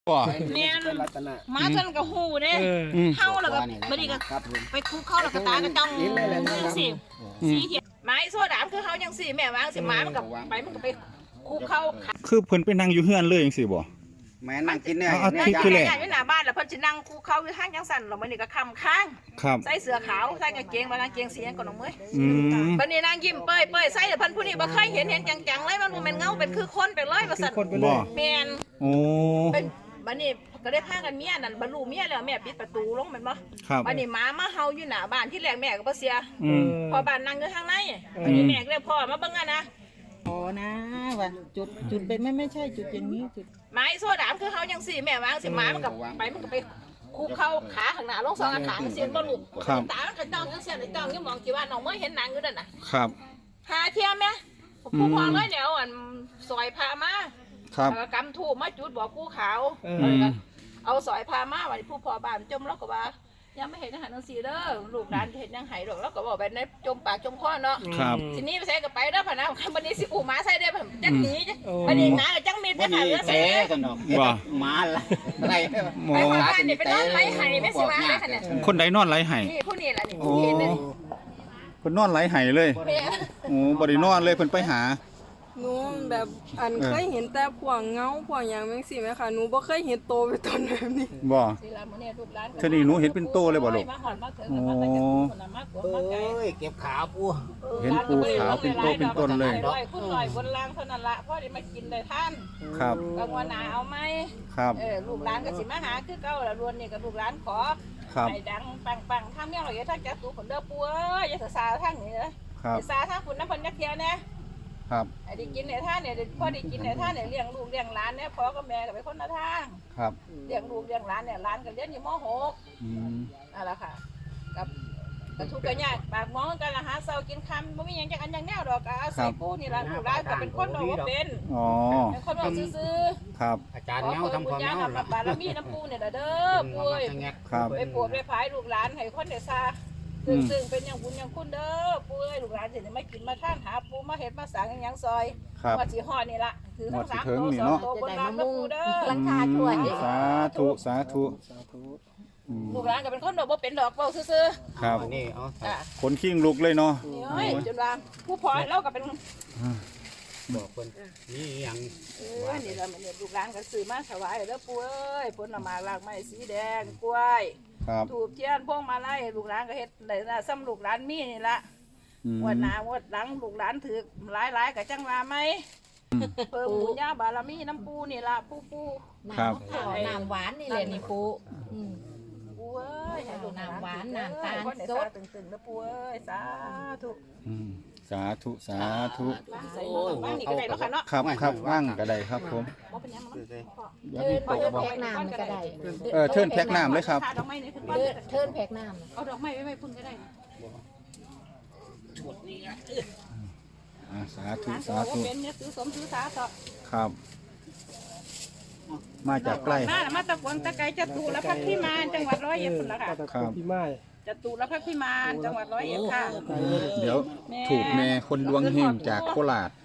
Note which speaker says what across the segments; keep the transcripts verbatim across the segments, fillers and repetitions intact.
Speaker 1: บ่
Speaker 2: แม่นมาจนกระหูเด้เฮาแล้วก็บ่ดีก็ไปคุกเข้าแล้วก็ตากระจ้องสิสีเขียวไม้โซดามคือเฮาจังซี่แม่วางสิหมามันก็ไปมันก็ไปคุกเข้า
Speaker 1: คือเพิ่นไปนั่งอยู่เฮือนเลยจังซี่บ่
Speaker 3: แม่นั่งกินเนี่ย
Speaker 1: เอาที่คือแหละ
Speaker 2: อยู่หน้าบ้านแล้วเพิ่นสินั่งคุกเข้าอยู่ทางจังซั่นแล้วมื้อนี้ก็ค่ำค้าง
Speaker 1: ครับ
Speaker 2: ใส่เสื้อขาวใส่กางเกงบ่กางเกงสีหยังก็น้องเมย
Speaker 1: อืม
Speaker 2: บัดนี้นางยิ้มเป้ยๆใส่เพิ่นผู้นี้บ่เคยเห็นเห็นจังๆเลยมันบ่แม่นเงาเป็นคือคนไปเลยว่าซั่น
Speaker 1: บ่
Speaker 2: แม่น
Speaker 1: โอ้
Speaker 2: เป็นบัดนี้ก็ได้พากันเมียนั่นบรรลุเมียแล้วแม่ปิดประตูลงแม่นบ่บัดนี้หมามาเห่าอยู่หน้าบ้านที่แรกแม่ก็บ่เสียพอบ้านนั่งอยู่ทางในบัดนี้แม่ก็เลยพ่อมาเบิ่งอ่ะนะ
Speaker 4: อ๋อนะว่าจุดจุดเป็นไม่ไม่ใช่จุดอย่างนี้จุด
Speaker 2: ไม้โซดามคือเฮาจังซี่แม่วางสิหมามันก็ไปมันก็ไปคุกเข้าขาข้างหน้าลงสองขาเสียนบ่ลูกตามันก็จ้องจังซี่ไอ้จ้องอยู่มองที่ว่าน้องเมยเห็นหนังอยู่นั่นน่ะ
Speaker 1: ครับ
Speaker 2: หาเที่ยแม่ผู้พองเลยเดี๋ยวอันซอยพามา
Speaker 1: ครับ
Speaker 2: กำถูกมาจุดบอกผู้ขาวเอาสอยพามาวันผู้พอบ้านจมแล้วก็ว่ายังไม่เห็นอาหารนังสีเด้อลูกหลานเห็นยังหายหรอกแล้วก็บอกไปในจมปากจมคอเนาะทีนี้ไปใส่กับไปเด้อพะนะวันนี้สิอูมาใส่ได้ผมจังหนีวันนี้งานจังมีได้ผ่านแล้วใส่
Speaker 3: กันดอกมาละไร
Speaker 2: ไปบ้านนี่ไปนอนไร้ไห้ไม่สิมาได้ขนาด
Speaker 1: คนใดนอนไร้ไห้
Speaker 2: นี่ผู้นี้แหละนี่
Speaker 1: โอ้เพิ่นนอนไร้ไห้เลยโอ้บ่ได้นอนเลยเพิ่นไปหา
Speaker 5: หนูแบบอันเคยเห็นแต่พวกเงาพวกอย่างแม่งสิไหมคะหนูบ่เคยเห็นโตเป็นต้นแบบนี้
Speaker 1: บ่เท่านี้หนูเห็นเป็นโตเลยบ่ลูกโอ้
Speaker 3: เอ้ยเก็บขาปู
Speaker 1: เห็นปูขาวเป็นโตเป็นต้นเลย
Speaker 2: คุณลอยบนล่างเท่านั้นละพ่อได้มากินเลยท่าน
Speaker 1: ครับ
Speaker 2: กลางวันหนาเอาไหม
Speaker 1: ครับ
Speaker 2: เออลูกหลานก็สิมาหาคือเก่าละรวนนี่กับลูกหลานขอให้ดังปังๆทำยังไงอย่าทักจักตูคนเด้อปูเอ้ยอย่าซาทางนี้เลยอย่าซาทางคุณน้ำพันยักเทียนะครับไอ้ที่กินในท่านเนี่ยพ่อได้กินในท่านเนี่ยเลี้ยงลูกเลี้ยงหลานเนี่ยพ่อกับแม่ก็เป็นคนละทาง
Speaker 1: ครับ
Speaker 2: เลี้ยงลูกเลี้ยงหลานเนี่ยหลานก็เรียนอยู่ม.หกนั่นแหละค่ะกับกระทุกกระยากปากมองกันละหาเสากินคำไม่มีอย่างจังอันอย่างแนวดอกอาศัยปูนี่แหละลูกหลานก็เป็นคนบอกว่าเป็นเป็นคนบอกซื่อ
Speaker 1: ๆครับ
Speaker 3: อาจารย์เงาทำความเงา
Speaker 2: ละบารมีน้ำปูเนี่ยเด้อปูไปปวดไปพายลูกหลานให้คนเดซาซึ่งซึ่งเป็นอย่างบุญอย่างคุณเด้อปูเอ้ยลูกหลานสิไม่กินมาท่านหาปูมาเห็ดมาสางอย่างซอยว่าสีห่อนี่ละถือทั้งสามโตสองโตบนรางปูเด้อ
Speaker 4: หลังคาช่วย
Speaker 1: สาธุสาธุ
Speaker 2: ลูกหลานก็เป็นคนดอกบ่เป็นดอกเบาซื่อ
Speaker 1: ๆครับ
Speaker 3: นี่เอา
Speaker 1: คนขิ้งลุกเลยเนาะ
Speaker 2: นี่จนว่าผู้พอแล้วก็เป็น
Speaker 3: บอกคนนี่อย่าง
Speaker 2: เออนี่ละมันลูกหลานก็ซื้อมาถวายเด้อปูเอ้ยผลไม้รากไม้สีแดงกล้วยถูกเทียนพวงมาลัยลูกหลานก็เฮ็ดได้นะซ้ำลูกหลานมีนี่ละวันหน้าวันหลังลูกหลานถือหลายๆกับจังว่าไหมเพิ่มบุญญาบารมีน้ำปูนี่ละปูปู
Speaker 4: น้ำน้ำหวานนี่แหละนี่ปู
Speaker 2: ปูเอ้ย
Speaker 4: น้ำหวานน้ำตาลสด
Speaker 2: ตึงๆนะปูเอ้ยสาธุ
Speaker 1: สาธุสาธุ
Speaker 2: บ้านนี่ก็ได้แล้วค่ะเนาะ
Speaker 1: ครับครับว่างก็ได้ครับผม
Speaker 4: เทินแพ็กน้ำก็ได้
Speaker 1: เออเทินแพ็กน้ำเลยครับ
Speaker 4: เทินแพ็กน้ำ
Speaker 2: เอาดอกไม้ไว้ไว้พุ่นก็ได้
Speaker 1: สาธุสาธุ
Speaker 2: เป็นเนี่ยซื้อสมซื้อสาธุ
Speaker 1: ครับมาจากใกล้
Speaker 2: มามาตะกวนตะไกจตุรพักพิมานจังหวัดร้อยเอ็ดพุ่นละค่ะ
Speaker 1: ครับ
Speaker 2: จตุรพักพิมานจังหวัดร้อยเอ็ดค่ะ
Speaker 1: เดี๋ยวถูกแม่คนดวงเฮงจากโคราช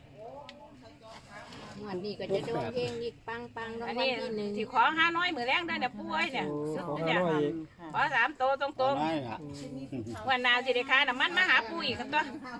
Speaker 4: วันนี้ก็จะดวงเฮงอีกปังปังรางวัลที่หนึ่ง
Speaker 2: ที่ขอห้าน้อยมือแรงได้เนี่ยปุ้ยเนี่ยเนี่ยขอสามโตตรงตรงวันนาสิเดคาน้ำมันมาหาปุ้ยกันตัว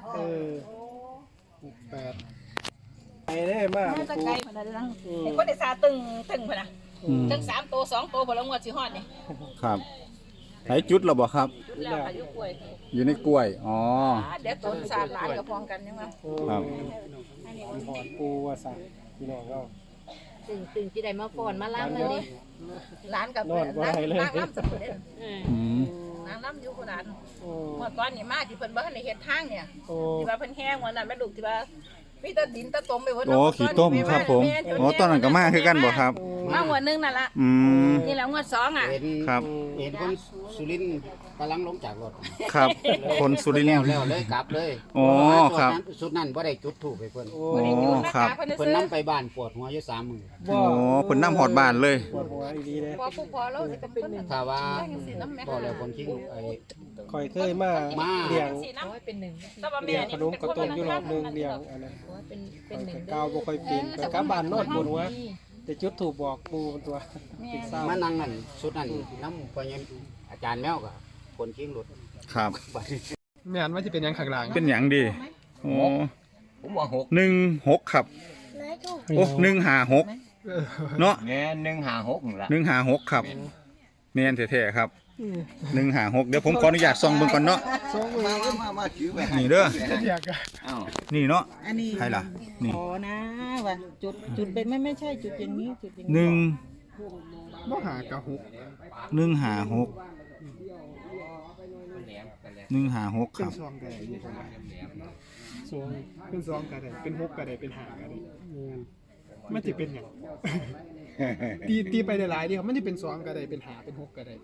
Speaker 6: ไปได้มาก
Speaker 2: จะไกลพนันลังไอ้คนเดซาตึงตึงพนันตึงสามโตสองโตพลังวัดสิฮอดนี่
Speaker 1: ครับไหนจุดเราบอกครับ
Speaker 2: จุดแล้วอายุกล้วย
Speaker 1: อยู่ในกล้วยอ๋อ
Speaker 2: เดี๋ยวต้นสาดหลานกับพองกันยังไง
Speaker 1: ครับ
Speaker 6: หอดปูว่าสั่งพี่น้องก็
Speaker 4: ตึงตึงจีได้มาฝอนมาล้างเลย
Speaker 2: ร้านกับร้านร้านล้ำสุดเลยร้านล้ำอยู่ขนาดเมื่อก่อนนี่มาที่เพิ่นบ้านในเฮ็ดทางเนี่ยที่ว่าเพิ่นแห้งวันนั้นแม่ลูกที่ว่ามีแต่ดินตะต้มไปหมด
Speaker 1: โอ้ขี้ต้มครับผมโอ้ตอนนั้นก็มาคือกันบ่ครับ
Speaker 2: มาหัวนึงนั่นละนี่แหละงวดสองอ่ะ
Speaker 1: ครับ
Speaker 3: เห็นคนสุรินทร์กำลังลงจากรถ
Speaker 1: ครับคนสุรินทร์
Speaker 3: แล้วเลยกลับเลย
Speaker 1: อ๋อครับ
Speaker 3: สุดนั้นบ่ได้จุดถูกไปเพิ่น
Speaker 1: โอ้ครับ
Speaker 3: เพิ่นนำไปบ้านปวดหัวอยู่สามมื้อ
Speaker 1: โอ้เพิ่นนำฮอดบ้านเลย
Speaker 6: ปวดหัวดีเลย
Speaker 2: พอผู้พอแล้วสิเป็นหนึ่ง
Speaker 3: ถ้าว่าบ่แล้วคนคิงไอ้
Speaker 6: คอยเคยมาเลี้ยง
Speaker 4: เป็นหนึ่ง
Speaker 6: เลี้ยงขนมกระต้มอยู่รอบนึงเลี้ยงอันนั้น
Speaker 4: เป็นเป็นหนึ่ง
Speaker 6: ก้าวบ่ค่อยเป็นกลับบ้านนอนปวดหัวแต่จุดถูกบอกปูตัวเป็นเศร้า
Speaker 3: มานั่งนั่นสุดนั่นน้ำพอยังอาจารย์แมวก็คนคิงรถ
Speaker 1: ครับ
Speaker 3: บัดนี้
Speaker 6: แม่นว่าจะเป็นยังข้างหลัง
Speaker 1: เป็นหยังดีโอ้
Speaker 7: ผมว่าหก
Speaker 1: หนึ่งหกครับโอ้หนึ่งห้าหกเนาะ
Speaker 7: แง่หนึ่งหาหกนั่นละ
Speaker 1: หนึ่งห้าหกครับแม่นแท้ๆครับหนึ่งห้าหกเดี๋ยวผมขออนุญาตส่องเบิ่งก่อนเนาะ
Speaker 7: มามามามาถือไป
Speaker 1: นี่เด้อ
Speaker 6: อยากอะ
Speaker 7: อ้าว
Speaker 1: นี่เนาะ
Speaker 4: อันนี้
Speaker 1: ใครล่ะนี่
Speaker 4: ขอนะว่าจุดจุดไปไม่ไม่ใช่จุดอย่างนี้จุดอย่าง
Speaker 1: หนึ่ง
Speaker 6: บ่หากะหก
Speaker 1: หนึ่งห้าหกหนึ่งห้าหกค
Speaker 6: เป็น
Speaker 1: รับ
Speaker 6: ซองกระไดอยู่ตรงนั้นซองเป็นซองกระไดเป็นหกกระไดเป็นหากระไดมันจะเป็นอย่างตีตีไปหลายๆเดียวมันจะเป็นซองกระไดเป็นหาเป็นหกกระได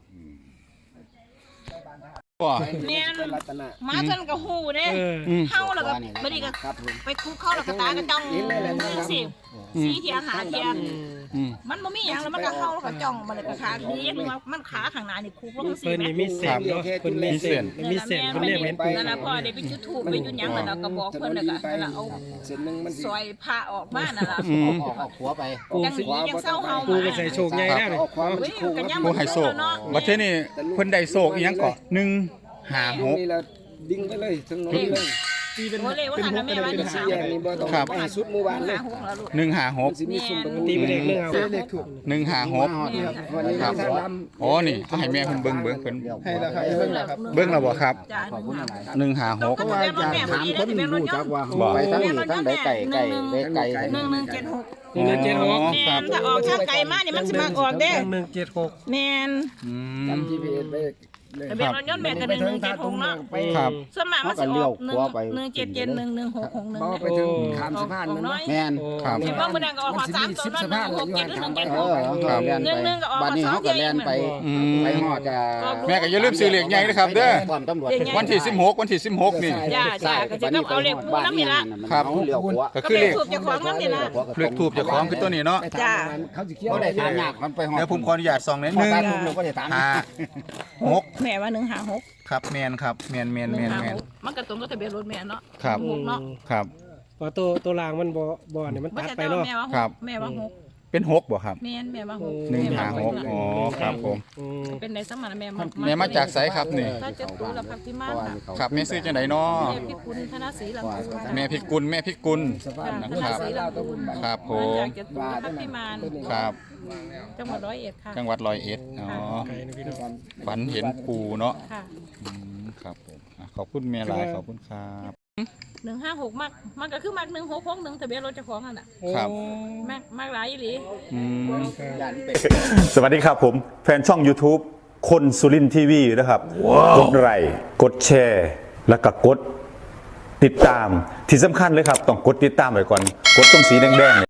Speaker 1: ก็
Speaker 2: แม่น
Speaker 6: เป็นรัตนะ
Speaker 2: มาจนกระหูเด้
Speaker 1: อืม
Speaker 2: เข้าแล้วก็ไม่ได้ก็ไปคุกเข้าแล้วก็ตากระจ้องสิสีเทียงหาเทียง
Speaker 1: อืม
Speaker 2: มันบ่มีหยังแล้วมันก็เข้าแล้วก็จ้องมันเลยก็ขาดีนึงว่ามันขาข้างหน้านี่คุกลงสิ
Speaker 6: เพิ่น
Speaker 2: แม่
Speaker 6: นี่มีเศษเนาะเพิ่นมีเศษมีเศษเพิ่นเรียกเห็นปู
Speaker 2: นั่นน่ะพ่อได้ไปจุดธูปไปจุดหยังแล้วก็บอกเพิ่นแล้วก็นั่นล่ะเอาซอยผ้าออกมานั่นล่ะ
Speaker 1: อืม
Speaker 3: ออกออกหัวไป
Speaker 2: จังนี้ยังเศร้าเฮา
Speaker 6: ปู
Speaker 2: มา
Speaker 6: ก็ใส่โชคใหญ่แล้วนี่
Speaker 2: เฮ้ยกันยัง
Speaker 1: ผู้ให้โศกบัดเทอนี่เพิ่นได้โศกอีหยังก็หนึ่งห้าหก
Speaker 7: ดิ้งไปเลยถึงโน้นเลย
Speaker 6: ตีเป็น
Speaker 2: โอ้เลยว่า
Speaker 6: เป็น
Speaker 2: หัน
Speaker 6: ห
Speaker 2: น่ะ
Speaker 6: ก
Speaker 2: แม่
Speaker 6: กระได
Speaker 2: ว่า
Speaker 6: เป็น
Speaker 2: จะ
Speaker 6: หา
Speaker 2: สาม
Speaker 7: นี่บ่ต้อง
Speaker 1: ครับ
Speaker 7: ไปสุดหมู่บ้านเลย
Speaker 2: หาหกแล้วลูก
Speaker 1: หนึ่งห้าหก
Speaker 7: สิมีซุ่มประตู
Speaker 6: ตีเป็นเลขเรื่องเอาเลขถูก
Speaker 1: หนึ่งห้าหก
Speaker 7: วันนี้
Speaker 1: ครับ
Speaker 7: ทางล
Speaker 1: อ๋อนี่เอาให้แม่เพิ่นเบิ่งเบิ่งเพิ่น
Speaker 6: ให้แล้วครับเบิ่งแล้วครับ
Speaker 1: เบิ่งแล้วบ่ครับ
Speaker 2: จ้า
Speaker 3: ขอบคุณหลาย
Speaker 1: หนึ่งห้าหก
Speaker 2: เพราะว่าจะถามคนรู้จักว่า
Speaker 1: บ่
Speaker 3: ไปทั้งนี้ทั้งใดไก่ไก่เล็กไก่
Speaker 2: หนึ่งหนึ่งเจ็ดหก
Speaker 6: หนึ่งหนึ่งเจ็ดหก
Speaker 1: อ๋อ
Speaker 2: แม่
Speaker 1: ครับ
Speaker 2: นถ้าออกทางไกลมานี่มันสิมาออกเด้
Speaker 6: หนึ่งเจ็ดหก
Speaker 2: แม่น
Speaker 1: อื
Speaker 7: ำ
Speaker 1: ม
Speaker 7: จำ จี พี เอสไปเลย
Speaker 2: ทะเบียนรถยนต์แม่ก็หนึ่งหนึ่งเจ็ดหกเนาะ
Speaker 7: ไป
Speaker 1: ครับ
Speaker 2: ส่วนมากมันสิออกหนึ่งหนึ่งเจ็ดเจ็ดหนึ่งหนึ่งหกหกหนึ่ง
Speaker 7: บ่ไปถึงขามสะพานนั่น
Speaker 2: น้อ
Speaker 7: นะ
Speaker 2: ย
Speaker 3: แม่น
Speaker 1: ครับ
Speaker 2: เห็นว่ามื้อนั้นก็ออกขอสามตัวนั่นหนึ่งหกเจ็ดหรือหนึ่งเจ็ด
Speaker 3: เอ
Speaker 2: หก
Speaker 3: อเขาเรียน
Speaker 2: หนึ่งหนึ่ง
Speaker 3: ไป
Speaker 2: ก็ออก
Speaker 3: บัดนี้
Speaker 2: มาสอง
Speaker 3: เขาก็เรียนไป
Speaker 1: อืม
Speaker 3: ไปหอดจะ
Speaker 1: แม่ก็อย่าลืมซื้อเลขใหญ่นะครับเด้อ
Speaker 3: ความตำรวจ
Speaker 1: วันที่สิบหกวันที่สิบหกนี่
Speaker 2: จ้าจ้าก็จะต้องเอาเลขปูน้ำนี่ละ
Speaker 1: ครับ
Speaker 3: เลี้ยวหัว
Speaker 1: ก็
Speaker 2: ก็
Speaker 1: คือ
Speaker 2: เล
Speaker 1: เล
Speaker 2: ข
Speaker 1: ข
Speaker 2: ถูกเจ้าของน้ำนี่ละ
Speaker 1: เลขทูบเจ้าของคือตัวนี้เนาะ
Speaker 2: จ้า
Speaker 7: เขาสิเคี้ยว
Speaker 3: บ่ได้ทานยากมันไปหอด
Speaker 1: เดี๋ยวผมขออนุญาตส่องหนิด
Speaker 3: พอ
Speaker 1: นึง
Speaker 3: ตาทุ่มเราก็ได้ทาน
Speaker 1: ห้าหก
Speaker 2: แม่ว่าหนึ่งหาหก
Speaker 1: ครับแมนครับแมนแมน
Speaker 2: ห
Speaker 1: แม
Speaker 2: นึ่ง
Speaker 1: น
Speaker 2: หา
Speaker 1: แมน
Speaker 2: หกมันก็ตรงกับทะเบียนรถแม่เนาะ
Speaker 1: ครับ
Speaker 2: หกเนาะ
Speaker 1: ครับ
Speaker 6: ว่าตัวตัวรางมันบ่บ่เนี่ยมัน
Speaker 2: บ่
Speaker 6: ตัด
Speaker 2: ใช่
Speaker 6: ไป
Speaker 2: แต่
Speaker 6: เนาะ
Speaker 2: แม่ว่าห
Speaker 1: ครั
Speaker 2: ก
Speaker 1: บ
Speaker 2: แม่ว่าหก
Speaker 1: เป็นหกบ่ครับ
Speaker 2: แม่นแม่ว่าหก
Speaker 1: หนึ่ง
Speaker 2: แม่
Speaker 1: ห้า
Speaker 2: ว่า
Speaker 1: หกอ๋อครับผม
Speaker 6: อืม
Speaker 2: เป็นในสมัยแม่
Speaker 1: แม่มาจากไสครับนี่
Speaker 2: ถ้าจะตูแล้วพักที่มากค่ะ
Speaker 1: ครับแม่ซื้อจังไดเนาะ
Speaker 2: แม่พิกุลธนศรีหลังกูค่ะ
Speaker 1: แม่พิกุลแม่พิกุล
Speaker 2: นะ
Speaker 1: นะ
Speaker 2: ค
Speaker 1: ค
Speaker 2: รั
Speaker 1: รั
Speaker 2: บบ ศรีหลังกู
Speaker 1: ครับผม
Speaker 2: มาจากจะตูและพักที่มาน
Speaker 1: ครับ
Speaker 2: จังหวัดร้อยเอ็ดค่ะ
Speaker 1: จังหวัดร้อยเอ็ดอ๋อ
Speaker 6: ไกลนะพี่น้อง
Speaker 1: ฝันเห็นปูเนาะ
Speaker 2: ค่ะ
Speaker 1: อืมครับผมอ่ะขอบคุณแม่หลายขอบคุณครับ
Speaker 2: หนึ่งห้าหกมากมันก็คือมากหนึ่งหกหกหนึ่งทะเบียนรถเจ้าของนั่นแหละ
Speaker 1: ครับ
Speaker 2: มากมากหลายอีหลี
Speaker 1: อืม
Speaker 8: สวัสดีครับผมแฟนช่อง YouTube คนสุรินทีวีนะครับกดไลค์กดแชร์ แล้วก็กดติดตามที่สำคัญเลยครับ ต้องกดติดตามไว้ก่อน กดตรงสีแดงๆ